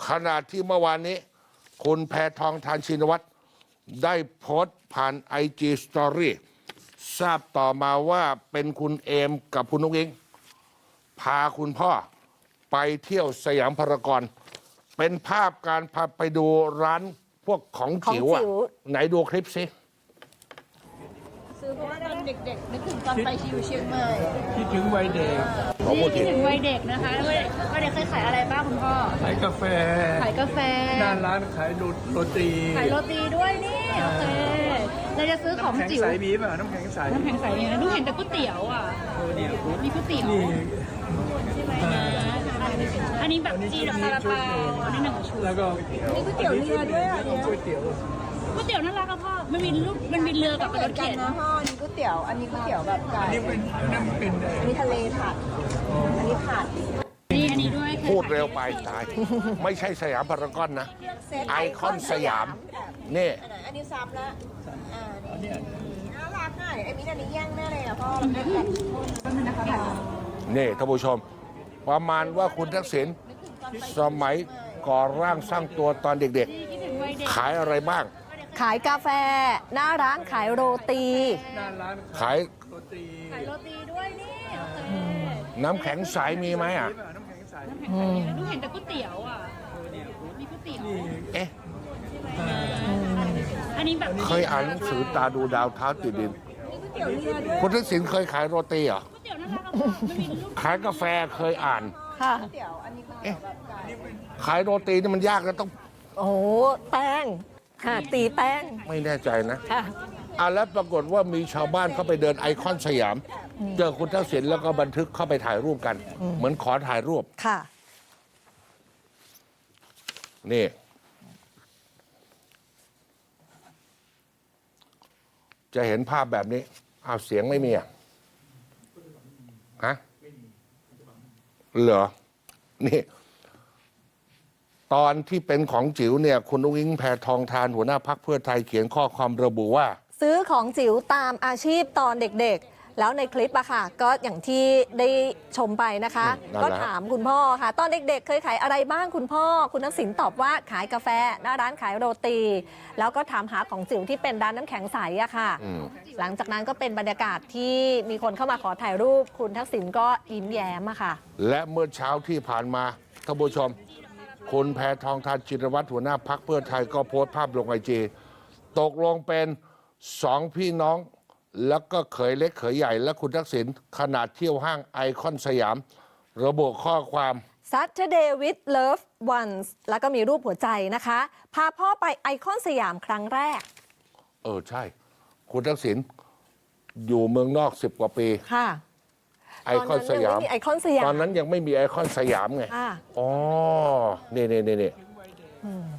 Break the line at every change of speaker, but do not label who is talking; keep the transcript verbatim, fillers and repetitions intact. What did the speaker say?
ขณะที่เมื่อวานนี้คุณแพทองธารชินวัตรได้โพสต์ผ่านไอจีสตอรี่ทราบต่อมาว่าเป็นคุณเอมกับคุณนุ๊กอิงพาคุณพ่อไปเที่ยวสยามพารากอนเป็นภาพการพาไปดูร้านพวกของจิ๋วอะไหนดูคลิปสิ
ซื้อเพราะว่าตอนเด็กๆนึกถึงตอนไปชิวเชียงใหม่
คิดถึงวัยเด็ก
นี่คิดถึงวัยเด็กนะคะวัยเด็กวัยเด็กเคยขายอะไรบ้างคุณพ่อ
ขายกาแฟ
ขายกาแฟ
หน้าร้านขายโรตี
ขายโรตีด้วยนี่โอเคเราจะซื้อของจิ๋ว
น้ำแข็งใสมีป่ะน้ำแข็งใส
น้ำแข็งใสเนี่ยดูเห็นแต่ก๋วยเตี๋ยวอ่ะมีก๋วยเตี๋ยวใช่ไหมนะอันนี้แบบจีนซาลาเปาอันนี้หนึ่งชุด
แล้วก็
มีก๋วยเตี๋ยวเรือด้วยอ่ะเนี่ย
ก๋วยเตี๋ยว
ก๋วยเตี๋ยวน่ารักอะพ่อมันมีรูปมันมีเรือกับรถเข็น
นะพ่อนี่ก๋วยเตี๋ยวอันนี้ก๋วยเตี๋ยวแบบไก่
อันนี้เป็นอันนั้นเป็น
อันนี้ทะเลผัดอันนี้ผัด
นี่อันนี้ด้วย
พูดเร็วไปตายไม่ใช่สยามพารากอนนะไอคอนสยามนี่
อันนี้ซ้ำแล้วอ่านี่น่ารักอ่ะไอ้มิ้นอันนี้แย่งแน่เลยอ่ะพ่อแม่แบบ
นี่ท่านผู้ชมประมาณว่าคุณทักษิณสมัยก่อร่างสร้างตัวตอนเด็กๆขายอะไรบ้าง
ขายกาแฟหน้าร้านขายโรตี
หน้าร้าน
ขาย
โรตี
ขายโรตีด้วยนี่
น้ำแข็งใสมีไหมอ่ะ
น้ำแข็งใส
ดูเห็นแต่ก๋วยเตี๋ยวอ่ะมีก๋วยเตี๋ยว
เอ๊ะ
อันนี้แบบ
เคยอ่านหนังสือตาดูดาวเท้าติดดินคุณทักษิณเคยขายโรตีเหรอขายกาแฟเคยอ่าน
ค่ะ
เอ๊ะขายโรตีนี่มันยากนะต้อง
โอ้โหแป้งค่ะตีแป้ง
ไม่แน่ใจนะ
ค่ะ
อ่ะแล้วปรากฏว่ามีชาวบ้านเข้าไปเดินไอคอนสยามเจอคุณทักษิณแล้วก็บันทึกเข้าไปถ่ายรูปกันเหมือนขอถ่ายรูป
ค่ะ
นี่จะเห็นภาพแบบนี้อ้าวเสียงไม่มีอ่ะฮะเหรอนี่ตอนที่เป็นของจิ๋วเนี่ยคุณอุ้งอิงแพทองธารหัวหน้าพรรคเพื่อไทยเขียนข้อความระบุว่า
ซื้อของจิ๋วตามอาชีพตอนเด็กๆแล้วในคลิปอะค่ะก็อย่างที่ได้ชมไปนะคะก็ถามคุณพ่อค่ะตอนเด็กๆเคยขายอะไรบ้างคุณพ่อคุณทักษิณตอบว่าขายกาแฟหน้าร้านขายโรตีแล้วก็ถามหาของจิ๋วที่เป็นร้านน้ำแข็งใสอะค่ะหลังจากนั้นก็เป็นบรรยากาศที่มีคนเข้ามาขอถ่ายรูปคุณทักษิณก็ยิ้มแย้มอะค่ะ
และเมื่อเช้าที่ผ่านมาท่านผู้ชมคุณแพทองธารชินวัตรหัวหน้าพรรคเพื่อไทยก็โพสต์ภาพลงไอจีตกลงเป็นสองพี่น้องแล้วก็เขยเล็กเขยใหญ่และคุณทักษิณขนาดเที่ยวห้างไอคอนสยามระบุข้อความ
Saturday with Love Ones แล้วก็มีรูปหัวใจนะคะพาพ่อไปไอคอนสยามครั้งแรก
เออใช่คุณทักษิณอยู่เมืองนอกสิบกว่าปี
ค่ะ
ไอคอนสยาม
ไอคอนสยาม
ตอนนั้นยังไม่มีไอคอนสยามไงอ๋อนี่นี่นี่